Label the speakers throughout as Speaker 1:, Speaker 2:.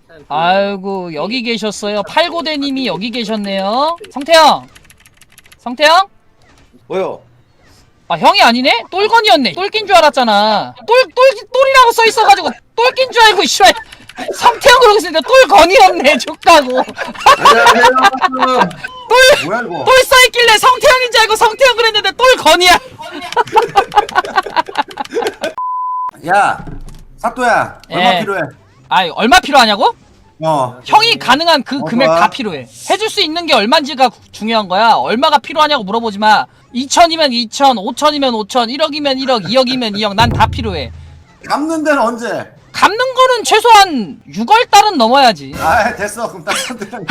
Speaker 1: 아이고 여기 계셨어요. 팔고대님이 여기 계셨네요. 성태형, 성태형?
Speaker 2: 뭐요?
Speaker 1: 아 형이 아니네? 똘건이었네. 똘낀 줄 알았잖아. 똘이라고 써있어가지고 똘낀 줄 알고 씨발 성태형 그러고 있었는데 똘건이었네. 족가고.
Speaker 2: 뭐야 이거?
Speaker 1: 똘 써있길래 성태형인 줄 알고 성태형 그랬는데 똘건이야.
Speaker 2: 야, 사또야, 얼마
Speaker 1: 예.
Speaker 2: 필요해?
Speaker 1: 아 얼마 필요하냐고? 형이 가능한 그 금액
Speaker 2: 뭐야?
Speaker 1: 다 필요해. 해줄 수 있는 게 얼마인지가 중요한 거야. 얼마가 필요하냐고 물어보지 마. 2천이면 2천, 5천이면 5천, 1억이면 1억, 2억이면 2억. 난 다 필요해.
Speaker 2: 갚는 데는 언제?
Speaker 1: 갚는 거는 최소한 6월달은 넘어야지.
Speaker 2: 아, 됐어. 그럼 딱 사또랑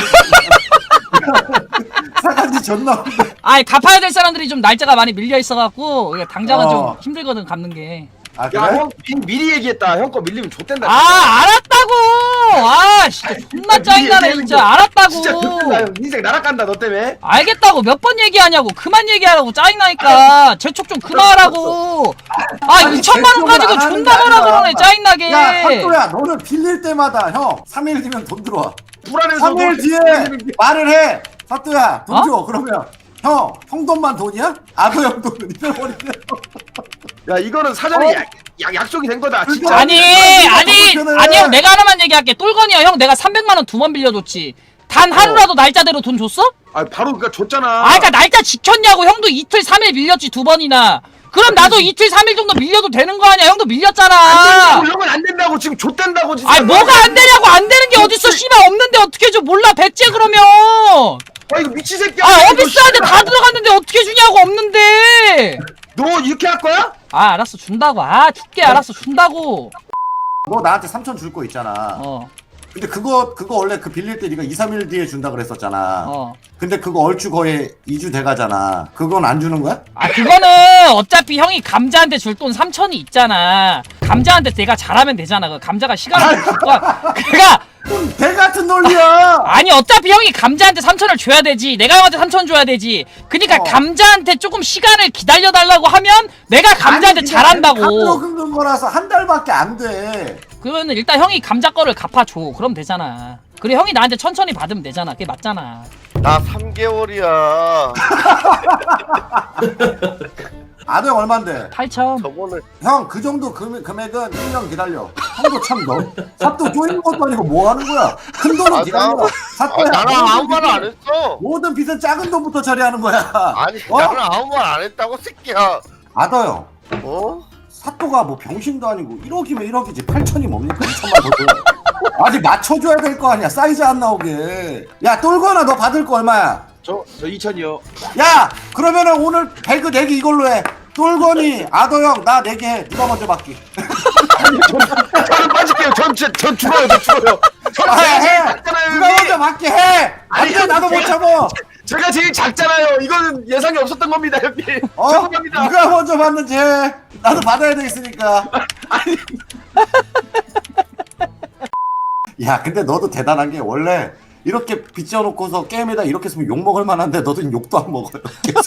Speaker 2: 사간지 존나 없는데.
Speaker 1: 아이 갚아야 될 사람들이 좀 날짜가 많이 밀려 있어갖고 당장은 좀
Speaker 2: 어.
Speaker 1: 힘들거든 갚는 게.
Speaker 2: 아,
Speaker 3: 야,
Speaker 2: 그래?
Speaker 3: 형 미리 얘기했다. 형 거 밀리면 좆된다.
Speaker 1: 아 알았다고. 아 진짜 존나 짜증나네 진짜. 알았다고.
Speaker 3: 진짜 좆된다. 형 인생 날아간다 너 때문에.
Speaker 1: 알겠다고 몇 번 얘기하냐고. 그만 얘기하라고. 짜증나니까 재촉 좀 그만하라고. 아
Speaker 2: 아니,
Speaker 1: 2천만 원
Speaker 2: 재촉을
Speaker 1: 가지고
Speaker 2: 안 하는
Speaker 1: 존나
Speaker 2: 게
Speaker 1: 뭐라
Speaker 2: 아니라.
Speaker 1: 그러네 짜증나게.
Speaker 2: 야, 사또야, 너는 빌릴 때마다 형 3일 뒤면 돈 들어와.
Speaker 3: 불안해서
Speaker 2: 3일 뒤에 말을 해. 사또야, 돈
Speaker 1: 어?
Speaker 2: 줘. 그러면 형 돈만 돈이야? 아도 형 돈은 잃어버리네.
Speaker 3: 야 이거는 사전에 약속이 된 거다. 진짜.
Speaker 1: 아니 형 내가 하나만 얘기할게. 똘건이야 형 내가 300만 원 2번 빌려줬지. 단 하루라도 날짜대로 돈 줬어?
Speaker 3: 아 바로 그니까 줬잖아.
Speaker 1: 아 그니까 날짜 지켰냐고. 형도 이틀 3일 밀렸지 2번이나. 그럼 나도 이틀 3일 정도 밀려도 되는 거 아니야. 형도 밀렸잖아.
Speaker 3: 안 된다고, 형은 안 된다고 지금 좆된다고 진짜.
Speaker 1: 아니 뭐가 안 되냐고. 안 되는 게 어딨어. 씨발 없는데 어떻게 줘. 몰라 백제 그러면.
Speaker 3: 아 이거 미친 새끼야.
Speaker 1: 아 어비스한테 다 들어갔는데 어떻게 주냐고. 없는데.
Speaker 3: 너 이렇게 할 거야?
Speaker 1: 아 알았어 준다고. 아 줄게. 알았어 준다고.
Speaker 2: 너 나한테 3천 줄 거 있잖아. 근데 그거 원래 그 빌릴 때 네가 2, 3일 뒤에 준다 그랬었잖아. 근데 그거 얼추 거의 2주 돼가잖아. 그건 안 주는 거야?
Speaker 1: 아 그거는 어차피 형이 감자한테 줄 돈 3천이 있잖아. 감자한테 내가 잘하면 되잖아. 그 감자가 시간을 줄 거야. 그니까
Speaker 2: 개 같은 논리야.
Speaker 1: 아니 어차피 형이 감자한테 3천을 줘야 되지. 내가 형한테 3천 줘야 되지. 그니까 감자한테 조금 시간을 기다려달라고 하면 내가 감자한테 잘한다고.
Speaker 2: 값으로 긁는 거라서 한 달밖에 안 돼.
Speaker 1: 그러면 일단 형이 감자 거를 갚아줘. 그럼 되잖아. 그리고 형이 나한테 천천히 받으면 되잖아. 그게 맞잖아.
Speaker 4: 나 3개월이야.
Speaker 2: 아도 형 얼만데?
Speaker 1: 8천.
Speaker 4: 저번에
Speaker 2: 형 그 정도 금액은 1년 기다려. 형도 참 너. 사또 쪼이는 것도 아니고 뭐 하는 거야? 큰 돈은 기다려. 사또야.
Speaker 4: 나랑 아무 말 안 했어.
Speaker 2: 모든 빚은 작은 돈부터 처리하는 거야.
Speaker 4: 아니
Speaker 2: 어?
Speaker 4: 나랑 아무 말 안 했다고 새끼야.
Speaker 2: 아더 형.
Speaker 4: 어?
Speaker 2: 사또가 뭐 병신도 아니고 1억이면 1억이지 8천이 뭡니까 2천만 더 줘. 아직 맞춰줘야 될 거 아니야. 사이즈 안 나오게. 야 똘거나 너 받을 거 얼마야?
Speaker 3: 저 2천이요.
Speaker 2: 야 그러면은 오늘 배그 내기 이걸로 해. 똘거니 아더 형 나 내기 해. 누가 먼저 받기?
Speaker 3: 저는 빠질게요. 전 죽어요. 저 죽어요.
Speaker 2: 아, 해.
Speaker 3: 작잖아요,
Speaker 2: 누가
Speaker 3: 여기.
Speaker 2: 먼저 받게 해.
Speaker 3: 아니,
Speaker 2: 안돼 나도 못 참어.
Speaker 3: 제가 제일 작잖아요. 이거는 예상이 없었던 겁니다, 형님.
Speaker 2: 어?
Speaker 3: 죄송합니다.
Speaker 2: 누가 먼저 받는지 해. 나도 받아야 되겠으니까.
Speaker 3: 아니,
Speaker 2: 야 근데 너도 대단한 게 원래 이렇게 빚져놓고서 게임에다 이렇게 쓰면 욕 먹을 만한데 너도 욕도 안 먹어요.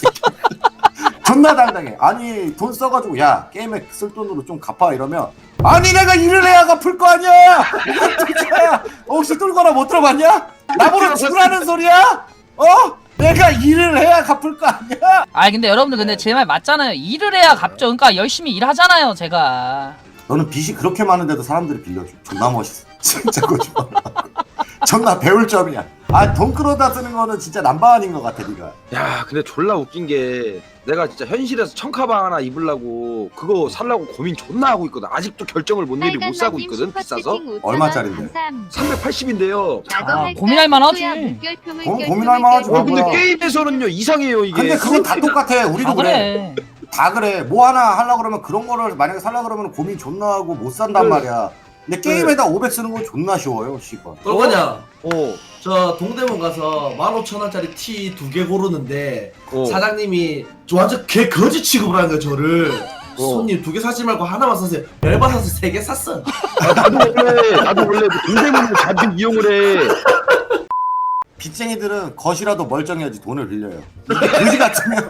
Speaker 2: 존나 당당해. 아니 돈 써가지고 야 게임에 쓸 돈으로 좀 갚아 이러면 아니 내가 일을 해야 갚을 거 아니야. 진짜야. 혹시 뚫거나 못 들어봤냐? 나보러 죽으라는 소리야? 어? 내가 일을 해야 갚을 거 아니야?
Speaker 1: 아 근데 여러분들 근데 제 말 맞잖아요. 일을 해야 갚죠. 그러니까 열심히 일하잖아요 제가.
Speaker 2: 너는 빚이 그렇게 많은데도 사람들이 빌려줘. 존나 멋있어. 진짜 거짓말. 존나 배울 점이야. 아 돈 끌어다 쓰는 거는 진짜 남바한인 것 같아 네가.
Speaker 3: 야, 근데 졸라 웃긴 게 내가 진짜 현실에서 청카방 하나 입으려고 그거 살라고 고민 존나 하고 있거든. 아직도 결정을 못 내리 못 사고 있거든. 비싸서.
Speaker 2: 얼마짜린데?
Speaker 3: 380인데요.
Speaker 1: 고민할 만하지.
Speaker 2: 고민할 만하지.
Speaker 3: 근데
Speaker 2: 뭐야.
Speaker 3: 게임에서는요 이상해요 이게.
Speaker 2: 근데 그건 다 똑같아. 우리도
Speaker 1: 아
Speaker 2: 그래.
Speaker 1: 그래.
Speaker 2: 다 그래. 뭐 하나 하려고 그러면 그런 거를 만약에 살려고 그러면 고민 존나 하고 못 산단 말이야. 근데 게임에다 500 쓰는 건 존나 쉬워요, 씨발.
Speaker 5: 똘거냐?
Speaker 3: 어.
Speaker 5: 저 동대문 가서 15,000원짜리 티 2개 고르는데
Speaker 3: 어.
Speaker 5: 사장님이 저 완전 개 거지 취급을 하는 거야 저를. 손님 2개 사지 말고 하나만 사세요. 열받아서 3개 샀어.
Speaker 3: 아, 나도 원래 그 동대문을 자주 이용을 해.
Speaker 2: 빚쟁이들은 것이라도 멀쩡해야지 돈을 빌려요. 이게 그지 같으면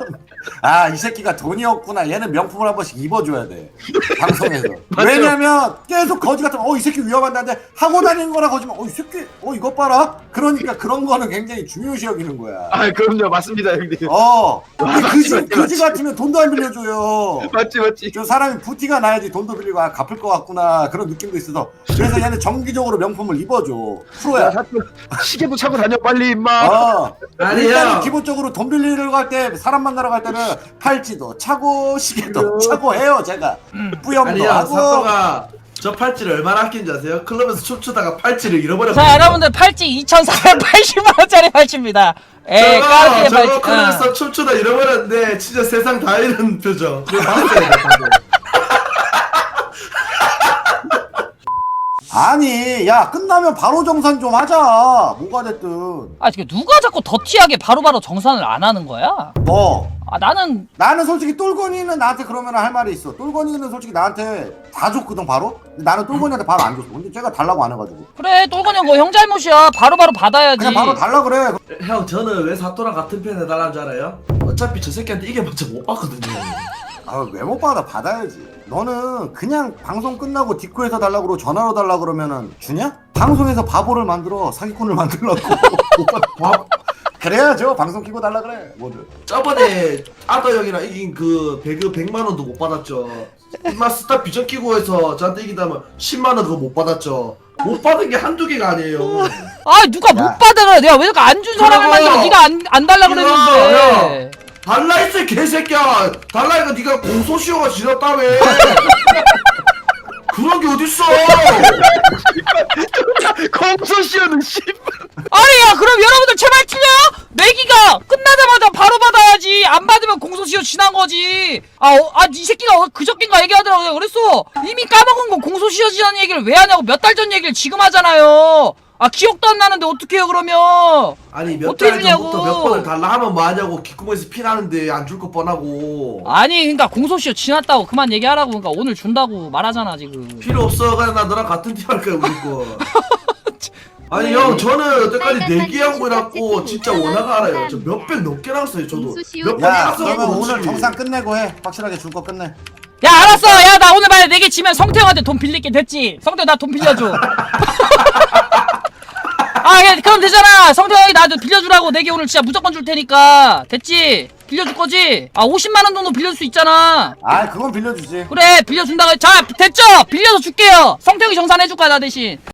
Speaker 2: 아, 이 새끼가 돈이 없구나. 얘는 명품을 한 번씩 입어줘야 돼. 방송에서.
Speaker 3: 맞죠.
Speaker 2: 왜냐면 계속 거지 같으면 이 새끼 위험한데 하고 다니는 거라 거지만 이 새끼 이것 봐라. 그러니까 그런 거는 굉장히 중요시 여기는 거야.
Speaker 3: 아 그럼요 맞습니다 형님.
Speaker 2: 근데
Speaker 3: 맞지, 맞지,
Speaker 2: 그지 같으면 돈도 안 빌려줘요.
Speaker 3: 맞지.
Speaker 2: 저 사람이 부티가 나야지 돈도 빌리고 갚을 것 같구나 그런 느낌도 있어서 그래서 얘는 정기적으로 명품을 입어줘. 프로야.
Speaker 3: 시계도 차고 다녀 빨리 임마.
Speaker 5: 아니
Speaker 2: 일단은
Speaker 5: 형
Speaker 2: 기본적으로 돈 빌리러 갈 때 사람 만나러 갈 때는 팔찌도 차고 시계도 차고 해요 제가. 뿌염도
Speaker 5: 아니 형
Speaker 2: 하고.
Speaker 5: 사또가 저 팔찌를 얼마나 아낀지 아세요? 클럽에서 춤추다가 팔찌를 잃어버렸어.
Speaker 1: 자 여러분들 팔찌 2,480만원짜리 팔찌입니다. 에이 까르띠에
Speaker 5: 저거
Speaker 1: 팔찌.
Speaker 5: 클럽에서 춤추다 잃어버렸는데 진짜 세상 다 잃은 표정. 그거 봤어야 돼 방금.
Speaker 2: 아니 야 끝나면 바로 정산 좀 하자. 뭐가 됐든.
Speaker 1: 아 지금 누가 자꾸 더티하게 바로바로 정산을 안 하는 거야?
Speaker 2: 뭐
Speaker 1: 아 나는
Speaker 2: 나는 솔직히 똘건이는 나한테 그러면 할 말이 있어. 똘건이는 솔직히 나한테 다 줬거든 바로. 근데 나는 똘건이한테 바로 안 줬어. 근데 쟤가 달라고 안 해가지고
Speaker 1: 그래 똘건이 형 뭐 형 잘못이야. 바로바로 받아야지.
Speaker 2: 그냥 바로 달라 그래.
Speaker 5: 형 저는 왜 사또랑 같은 편 해달라는 줄 알아요? 어차피 저 새끼한테 이게봤자 못 봤거든요.
Speaker 2: 아 왜 못 받아? 받아야지. 너는 그냥 방송 끝나고 디코에서 달라고 그러고 전화로 달라고 그러면은 주냐? 방송에서 바보를 만들어. 사기꾼을 만들라고. 그래야죠. 방송 키고 달라 그래. 뭐든.
Speaker 5: 저번에 아더 형이랑 이긴 그 배그 100만 원도 못 받았죠. 인마 스타 비전 끼고 해서 저한테 이긴다면 10만 원 그거 못 받았죠. 못 받은 게 한두 개가 아니에요.
Speaker 1: 아 누가
Speaker 2: 야.
Speaker 1: 못 받아 그래. 내가 왜 이렇게 안 준 사람을
Speaker 5: 그래요.
Speaker 1: 만들어. 네가 안 달라 그랬는데.
Speaker 5: 달라 했어 개새끼야. 달라니까 네가 공소시효가 지났다며. 그런 게 어딨어.
Speaker 3: 공소시효는 씨.
Speaker 1: 아니 야 그럼 여러분들 제발 틀려? 내기가 끝나자마자 바로 받아야지. 안 받으면 공소시효 지난 거지. 이 새끼가 그저께인가 얘기하더라고. 내가 그랬어. 이미 까먹은 거 공소시효 지난 얘기를 왜 하냐고. 몇 달 전 얘기를 지금 하잖아요. 기억도 안 나는데 어떡해요 그러면.
Speaker 5: 아니 몇
Speaker 1: 어떻게
Speaker 5: 달
Speaker 1: 주냐고.
Speaker 5: 전부터 몇 번을 달라 하면 뭐하냐고. 귓구멍에서 피 나는데 안 줄 거 뻔하고.
Speaker 1: 아니 그러니까 공소시효 지났다고 그만 얘기하라고. 그러니까 오늘 준다고 말하잖아 지금.
Speaker 5: 필요 없어. 그냥 나 너랑 같은 팀 할 거야 우리 거. 아니 형 저는 여태까지 내기하고 해놨고 진짜 원화가 알아요. 저 몇백 넘게 나왔어요 저도. 몇 번
Speaker 2: 야
Speaker 5: 나왔어.
Speaker 2: 그러면 오늘 정산 끝내고 해. 확실하게 줄 거 끝내.
Speaker 1: 야 알았어. 야 나 오늘 만약에 내기 지면 성태형한테 돈 빌릴게. 됐지? 성태형 나 돈 빌려줘. 야, 그럼 되잖아. 성태형이 나도 빌려주라고. 내기 오늘 진짜 무조건 줄 테니까. 됐지? 빌려줄 거지? 50만원 정도 빌려줄 수 있잖아.
Speaker 2: 그건 빌려주지.
Speaker 1: 그래 빌려준다고. 자 됐죠? 빌려서 줄게요. 성태형이 정산해줄 거야 나 대신.